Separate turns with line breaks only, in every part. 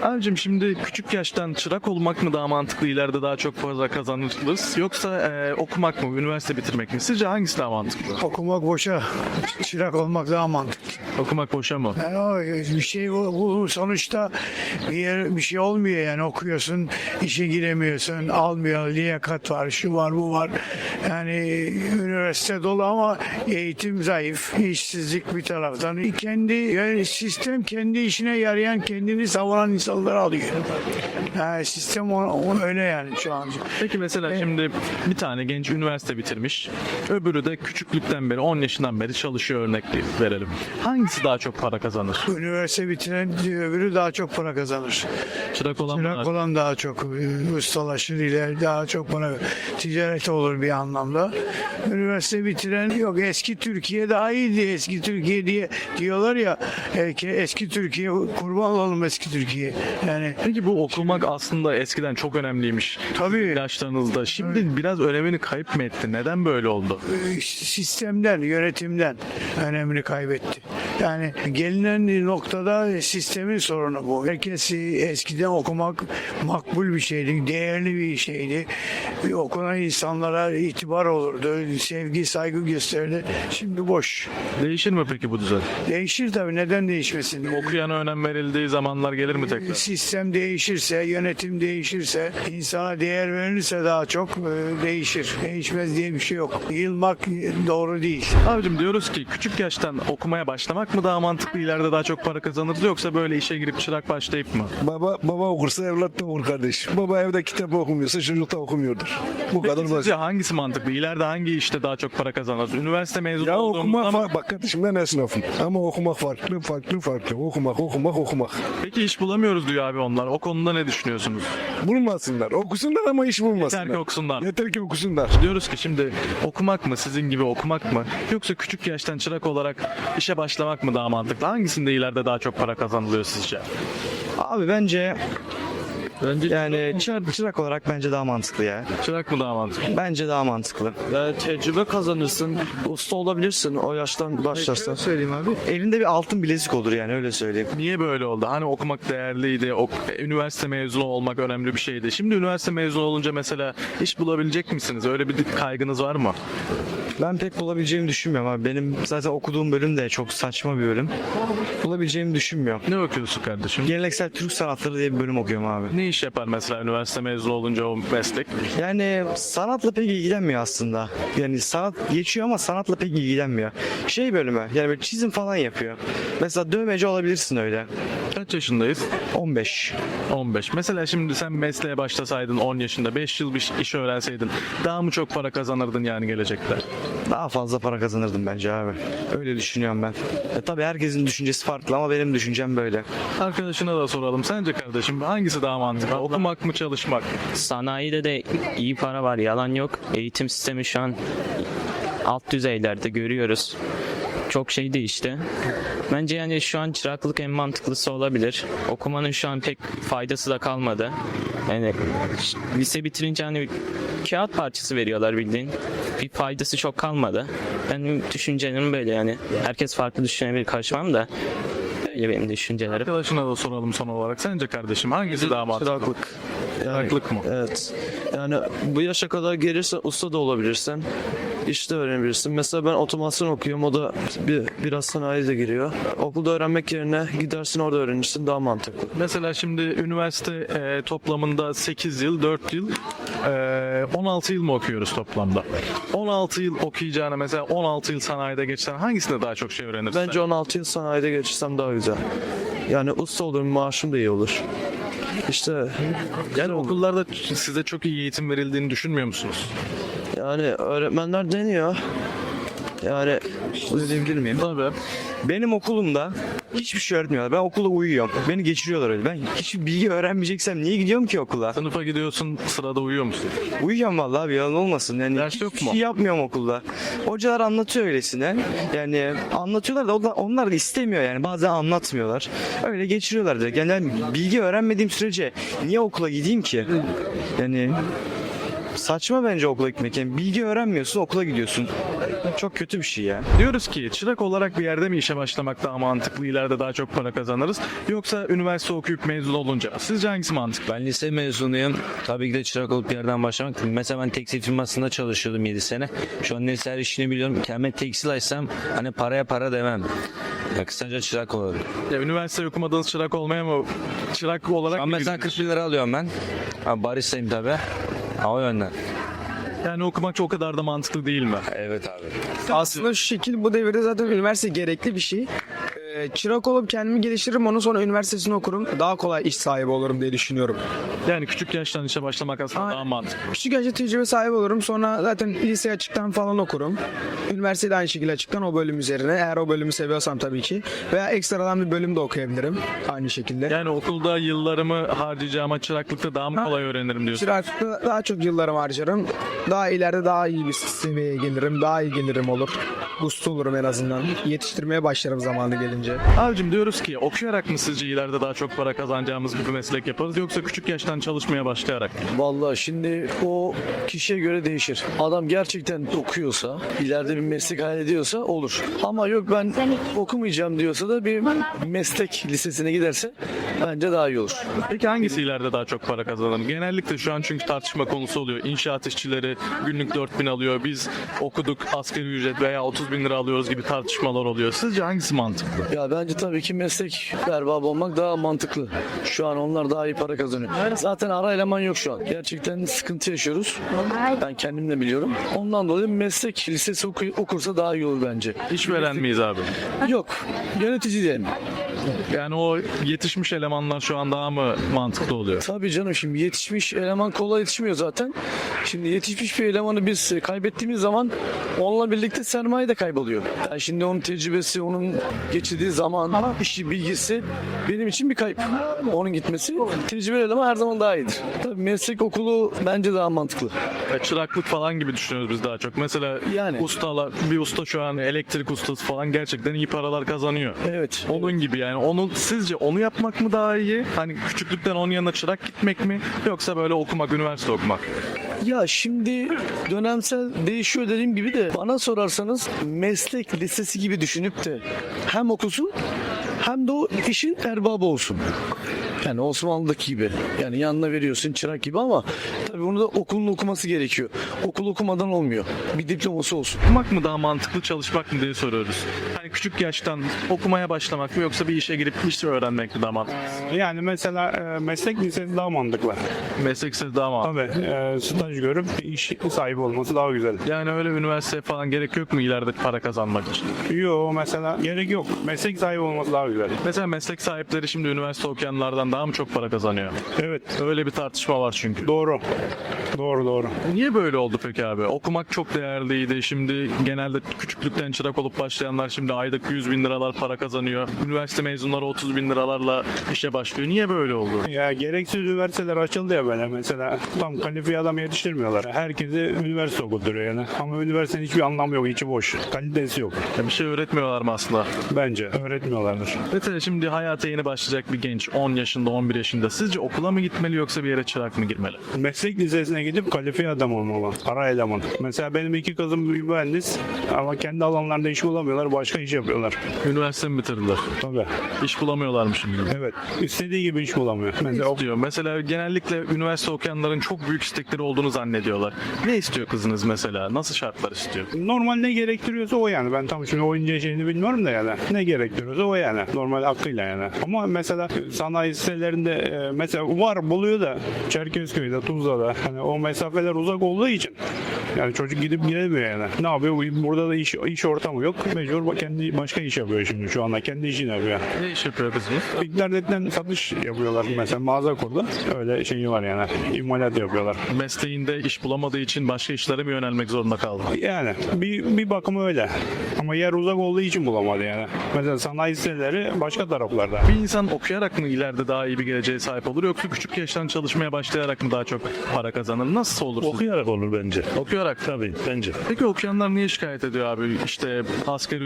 Abicim şimdi küçük yaştan çırak olmak mı daha mantıklı, ileride daha çok para kazanırız, yoksa okumak mı, üniversite bitirmek mi? Sizce hangisi daha mantıklı?
Okumak boşa, çırak olmak daha mantıklı.
Okumak boşa mı?
Yani o bir şey bu sonuçta bir şey olmuyor yani okuyorsun, işe giremiyorsun, almıyor, liyakat var, şu var, bu var. Yani üniversite dolu ama eğitim zayıf, işsizlik bir taraftan. Yani sistem kendi işine yarayan, kendini savunan insanları alıyor. Yani sistem öyle yani şu an.
Peki mesela şimdi bir tane genç üniversite bitirmiş, öbürü de küçüklükten beri 10 yaşından beri çalışıyor, örnek verelim. Hangisi daha çok para kazanır?
Üniversite bitiren öbürü daha çok para kazanır.
Çırak olan mı?
Çırak olan daha çok ustalaşır, iler daha çok para ticaret olur bir anlamda. Üniversite bitiren yok, eski Türkiye daha iyiydi, eski Türkiye diye diyorlar ya, eski Türkiye, kurban olalım eski Türkiye. Yani
Peki bu okumak aslında eskiden çok önemliymiş.
tabii
Yaşlarınızda. Şimdi biraz önemini kayıp mı etti? Neden böyle oldu?
sistemden, yönetimden önemini kaybetti. Yani gelinen noktada sistemin sorunu bu. Herkes eskiden okumak makbul bir şeydi, değerli bir şeydi. Okunan insanlara itibar olurdu, sevgi, saygı gösterirdi. Şimdi boş.
Değişir mi peki bu düzen?
Değişir tabii, neden değişmesin?
Okuyana önem verildiği zamanlar gelir mi tekrar?
Sistem değişirse, yönetim değişirse, insana değer verilirse daha çok değişir. Değişmez diye bir şey yok. Yılmak doğru değil.
Abicim diyoruz ki küçük yaştan okumaya başlamak mı daha mantıklı, ileride daha çok para kazanırız, yoksa böyle işe girip çırak başlayıp mı?
Baba okursa evlat da okur kardeş. Baba evde kitap okumuyorsa çocuk da okumuyordur. Bu kadar basit.
Sizce hangisi mantıklı? İleride hangi işte daha çok para kazanırız? Üniversite mezunu
Ya
olduğumuzda
okumak
mı?
farklı. Bak kardeşim ben esnafım. Ama okumak farklı. Okumak.
Peki iş bulamıyoruz diyor abi onlar. O konuda ne düşünüyorsunuz?
Bulmasınlar. Okusunlar ama iş bulmasınlar.
Yeter ki okusunlar.
Yeter ki okusunlar.
Diyoruz ki şimdi okumak mı, sizin gibi okumak mı, yoksa küçük yaştan çırak olarak işe başlamak mı daha mantıklı? Hangisinde ileride daha çok para kazanılıyor sizce?
Abi bence yani çırak olarak bence daha mantıklı ya.
Çırak mı daha mantıklı?
Bence daha mantıklı.
Yani tecrübe kazanırsın, usta olabilirsin o yaştan başlarsan.
Söyleyeyim abi. Elinde bir altın bilezik olur yani, öyle söyleyeyim.
Niye böyle oldu? Hani okumak değerliydi, üniversite mezunu olmak önemli bir şeydi. Şimdi üniversite mezunu olunca mesela iş bulabilecek misiniz? Öyle bir kaygınız var mı?
Ben pek bulabileceğimi düşünmüyorum abi. Benim zaten okuduğum bölüm de çok saçma bir bölüm. Bulabileceğimi düşünmüyorum.
Ne okuyorsun kardeşim?
Geleneksel Türk sanatları diye bir bölüm okuyorum abi.
Ne iş yapar mesela üniversite mezunu olunca o meslek?
Yani sanatla pek ilgilenmiyor aslında. Yani sanat geçiyor ama sanatla pek ilgilenmiyor. Şey bölümü, yani böyle çizim falan yapıyor. Mesela dövmeci olabilirsin öyle.
Kaç yaşındayız?
15.
15. Mesela şimdi sen mesleğe başlasaydın 10 yaşında, 5 yıl bir iş öğrenseydin daha mı çok para kazanırdın yani gelecekte?
Daha fazla para kazanırdım bence abi. Öyle düşünüyorum ben. Tabii herkesin düşüncesi farklı ama benim düşüncem böyle.
Arkadaşına da soralım. Sence kardeşim hangisi daha mantıklı? Okumak mı, çalışmak mı?
Sanayide de iyi para var, yalan yok. Eğitim sistemi şu an alt düzeylerde, görüyoruz. Çok şey değişti. Bence yani şu an çıraklık en mantıklısı olabilir. Okumanın şu an pek faydası da kalmadı. Yani lise bitirince hani kağıt parçası veriyorlar bildiğin. Bir faydası çok kalmadı. Benim düşüncelerim böyle yani. Herkes farklı düşünebilir, karışmam da. Böyle benim düşüncelerim.
Arkadaşına da soralım son olarak. Sence kardeşim hangisi daha mantıklı?
Çıraklık.
Çıraklık mı?
Evet. Yani bu yaşa kadar gelirse usta da olabilirsin. İşte öğrenebilirsin. Mesela ben otomasyon okuyorum. O da biraz sanayi de giriyor. Okulda öğrenmek yerine gidersin orada öğrenirsin. Daha mantıklı.
Mesela şimdi üniversite toplamında 8 yıl, 4 yıl, 16 yıl mı okuyoruz toplamda? 16 yıl okuyacağına mesela 16 yıl sanayide geçsen hangisinde daha çok şey öğrenirsin?
Bence 16 yıl sanayide geçirsem daha güzel. Yani usta olurum, maaşım da iyi olur. İşte
Yani okullarda size çok iyi eğitim verildiğini düşünmüyor musunuz?
yani öğretmenler deniyor. Yani
Diyebilir miyim?
Tabii.
Benim okulumda hiçbir şey öğretmiyorlar. Ben okulda uyuyorum. Beni geçiriyorlar öyle. Ben hiçbir bilgi öğrenmeyeceksem niye gidiyorum ki okula?
Sınıfa gidiyorsun, sırada uyuyor musun?
Uyuyorum vallahi abi, yalan olmasın. Yani
Ders
hiçbir
yok mu?
şey yapmıyorum okulda. Hocalar anlatıyor öylesine. Yani anlatıyorlar da onlar da istemiyor yani. Bazen anlatmıyorlar. Öyle geçiriyorlar direkt. Yani bilgi öğrenmediğim sürece niye okula gideyim ki? Yani saçma bence okula gitmek. Yani bilgi öğrenmiyorsun, okula gidiyorsun. çok kötü bir şey ya.
Diyoruz ki çırak olarak bir yerde mi işe başlamak daha mantıklı, ileride daha çok para kazanırız, yoksa üniversite okuyup mezun olunca? Sizce hangisi mantıklı?
Ben lise mezunuyum. Tabii ki de çırak olup bir yerden başlamak. Mesela ben tekstil firmasında çalışıyordum 7 sene. Şu an neyse her işini biliyorum. Kendime tekstil açsam hani paraya para demem. Ya kısaca çırak olurum.
Ya, üniversite okumadığınız çırak olmaya mı? Çırak olarak
Şu an
mı
mesela
girdiniz?
40 bin lira alıyorum ben. Ha, baristayım tabii. Ha, o yönden.
Yani okumak çok o kadar da mantıklı değil mi?
Evet abi.
Aslında şu şekil bu devirde zaten üniversite gerekli bir şey. Çırak olup kendimi geliştiririm, onun sonra üniversitesini okurum. Daha kolay iş sahibi olurum diye düşünüyorum.
Yani küçük yaştan işe başlamak aslında daha mantıklı.
Küçük yaşta tecrübe sahibi olurum. Sonra zaten lise açıktan falan okurum. Üniversitede aynı şekilde açıktan o bölüm üzerine. Eğer o bölümü seviyorsam tabii ki. Veya ekstradan bir bölüm de okuyabilirim. Aynı şekilde.
Yani okulda yıllarımı harcayacağıma çıraklıkta daha mı kolay öğrenirim diyorsun?
Çıraklıkta daha çok yıllarımı harcarım. Daha ileride daha iyi bir seviyeye gelirim. Daha iyi gelirim olur. Usta olurum en azından. Yetiştirmeye başlarım zamanı gelince.
Abicim, diyoruz ki okuyarak mı sizce ileride daha çok para kazanacağımız bir meslek yaparız, yoksa küçük yaştan çalışmaya başlayarak mı?
Vallahi şimdi o kişiye göre değişir. Adam gerçekten okuyorsa, ileride bir meslek hayal ediyorsa olur. Ama yok ben okumayacağım diyorsa da bir meslek lisesine giderse bence daha iyi olur.
Peki hangisi ileride daha çok para kazanır? Genellikle şu an çünkü tartışma konusu oluyor. İnşaat işçileri günlük 4.000 alıyor. Biz okuduk, asgari ücret veya 30.000 lira alıyoruz gibi tartışmalar oluyor. Sizce hangisi mantıklı?
Ya bence tabii ki meslek erbabı olmak daha mantıklı. Şu an onlar daha iyi para kazanıyor. Zaten ara eleman yok şu an. Gerçekten sıkıntı yaşıyoruz. Ben kendim de biliyorum. Ondan dolayı meslek lisesi okursa daha iyi olur bence.
İşveren miyiz abi?
Yok. Yönetici diyelim.
Yani o yetişmiş elemanlar şu an daha mı mantıklı oluyor?
Tabii canım, şimdi yetişmiş eleman kolay yetişmiyor zaten. Şimdi yetişmiş bir elemanı biz kaybettiğimiz zaman onunla birlikte sermaye de kayboluyor. Yani şimdi onun tecrübesi, onun geçirdiği zaman, işi, bilgisi benim için bir kayıp. Onun gitmesi, tecrübeli eleman her zaman daha iyidir. Tabii meslek okulu bence daha mantıklı.
Çıraklık falan gibi düşünüyoruz biz daha çok. Mesela
Yani.
bir usta şu an elektrik ustası falan gerçekten iyi paralar kazanıyor.
Evet.
Onun gibi yani. Sizce onu yapmak mı daha iyi? Hani küçüklükten onun yanına çırak gitmek mi? Yoksa böyle okumak, üniversite okumak?
Ya şimdi dönemsel değişiyor dediğim gibi de bana sorarsanız meslek lisesi gibi düşünüp de hem okusun hem de o işin erbabı olsun. Yani Osmanlı'daki gibi. Yani yanına veriyorsun çırak gibi ama tabii bunu da okulun okuması gerekiyor. Okul okumadan olmuyor. Bir diploması olsun.
Okumak mı daha mantıklı, çalışmak mı diye soruyoruz. Hani küçük yaştan okumaya başlamak mı, yoksa bir işe girip iş öğrenmek mi daha mantıklı?
Yani mesela meslek lisesi daha mantıklı.
Meslek lisesi daha mantıklı.
Tabii staj görüp iş sahibi olması daha güzel.
Yani öyle üniversite falan gerek yok mu ileride para kazanmak için?
Yok mesela gerek yok. Meslek sahibi olması daha güzel.
Mesela meslek sahipleri şimdi üniversite okuyanlardan daha mı çok para kazanıyor?
Evet,
Öyle bir tartışma var çünkü.
doğru. Doğru.
Niye böyle oldu peki abi? Okumak çok değerliydi. Şimdi genelde küçüklükten çırak olup başlayanlar şimdi aylık 100.000 liralar para kazanıyor. Üniversite mezunları 30.000 liralarla işe başlıyor. Niye böyle oldu?
Ya gereksiz üniversiteler açıldı ya böyle mesela. Tam kalifiye adam yetiştirmiyorlar. Herkesi üniversite okutturuyor yani. Ama üniversitenin hiçbir anlamı yok, içi boş. Kalitesi yok.
Ya bir şey öğretmiyorlar mı aslında?
Bence öğretmiyorlardır.
Mesela şimdi hayata yeni başlayacak bir genç 10 yaşında 11 yaşında sizce okula mı gitmeli, yoksa bir yere çırak mı girmeli?
Meslek lisesine gidip kalifiye adam olmalı. Ara eleman. Mesela benim 2 kızım bir mühendis ama kendi alanlarında iş bulamıyorlar. Başka iş yapıyorlar.
Üniversite mi bitirdiler?
Tabii.
İş bulamıyorlar mı şimdi?
Evet. İstediği gibi iş bulamıyor. Mesela
Diyor. Mesela genellikle üniversite okuyanların çok büyük istekleri olduğunu zannediyorlar. Ne istiyor kızınız mesela? Nasıl şartlar istiyor?
normal ne gerektiriyorsa o yani. Ben tam şimdi oyuncu şeyini bilmiyorum da yani. Ne gerektiriyorsa o yani. Normal aklıyla yani. Ama mesela sanayi sitelerinde mesela var buluyor da Çerkezköy'de, Tuzla'da hani o mesafeler uzak olduğu için yani çocuk gidip gelemiyor yani. Ne yapıyor? Burada da iş ortamı yok. Mecbur kendi başka iş yapıyor şimdi şu anda. Kendi işini yapıyor.
Ne iş yapıyor kızınız?
İnternetten satış yapıyorlar mesela mağaza kurdu. Öyle şeyi var yani. İmalat yapıyorlar.
Mesleğinde iş bulamadığı için başka işlere mi yönelmek zorunda kaldı?
Yani bir bakıma öyle. Ama yer uzak olduğu için bulamadı yani. Mesela sanayi siteleri başka taraflarda.
Bir insan okuyarak mı ileride daha iyi bir geleceğe sahip olur, yoksa küçük yaştan çalışmaya başlayarak mı daha çok para kazanır? Nasıl olur?
Okuyarak olur bence.
Okuyarak.
Tabii bence.
Peki okuyanlar niye şikayet ediyor abi? İşte asgari ücrete çalışıyor.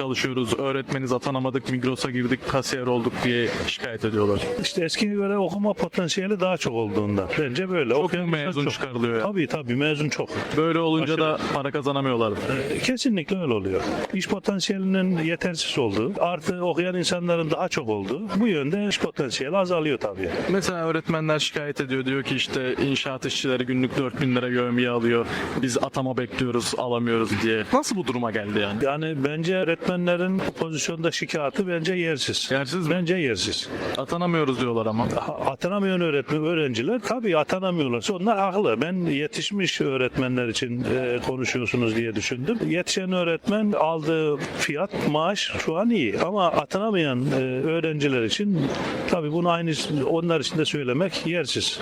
çalışıyoruz, öğretmeniz atanamadık, Migros'a girdik, kasiyer olduk diye şikayet ediyorlar.
İşte eskiye göre okuma potansiyeli daha çok olduğundan. Bence böyle.
Çok
Okuyan insan
mezun
çok.
çıkarılıyor ya.
Tabii mezun çok.
Böyle olunca
Aşırı.
da para kazanamıyorlar.
Kesinlikle öyle oluyor. İş potansiyelinin yetersiz olduğu, artı okuyan insanların daha çok olduğu, bu yönde iş potansiyeli azalıyor tabii.
Mesela öğretmenler şikayet ediyor. Diyor ki işte inşaat işçileri günlük 4.000 lira yevmiye alıyor. Biz atama bekliyoruz, alamıyoruz diye. Nasıl bu duruma geldi yani?
Yani bence öğretmenlerin bu pozisyonda şikayeti bence yersiz.
Yersiz mi?
Bence yersiz.
Atanamıyoruz diyorlar ama.
Atanamayan öğrenciler tabii atanamıyorlarsa onlar haklı. Ben yetişmiş öğretmenler için konuşuyorsunuz diye düşündüm. Yetişen öğretmen aldığı fiyat, maaş şu an iyi. Ama atanamayan öğrenciler için tabii bunu aynı onlar için de söylemek yersiz.